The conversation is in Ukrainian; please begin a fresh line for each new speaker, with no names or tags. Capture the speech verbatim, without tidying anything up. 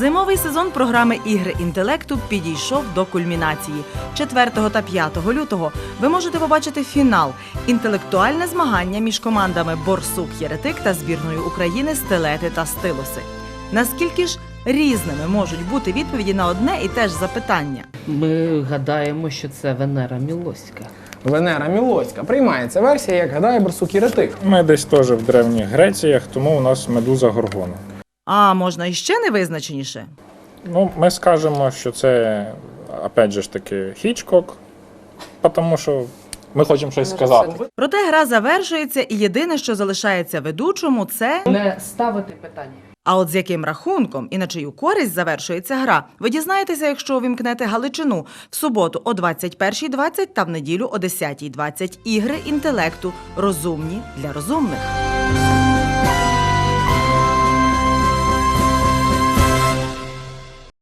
Зимовий сезон програми «Ігри інтелекту» підійшов до кульмінації. четвертого та п'ятого лютого ви можете побачити фінал – інтелектуальне змагання між командами «Борсук-Єретик» та збірною України «Стилети та стилуси». Наскільки ж різними можуть бути відповіді на одне і те ж запитання?
Ми гадаємо, що це Венера Мілоська.
Венера Мілоська. Приймається версія, як гадає Борсук-Єретик.
Ми десь теж в Древніх Греціях, тому у нас медуза Горгона.
А можна іще невизначеніше?
Ну, ми скажемо, що це, опять же ж таки, Хічкок, тому що ми хочемо щось сказати.
Проте гра завершується, і єдине, що залишається ведучому – це…
Не ставити питання.
А от з яким рахунком і на чию користь завершується гра, ви дізнаєтеся, якщо увімкнете Галичину в суботу о двадцять першій двадцять та в неділю о десятій двадцять. Ігри інтелекту. Розумні для розумних.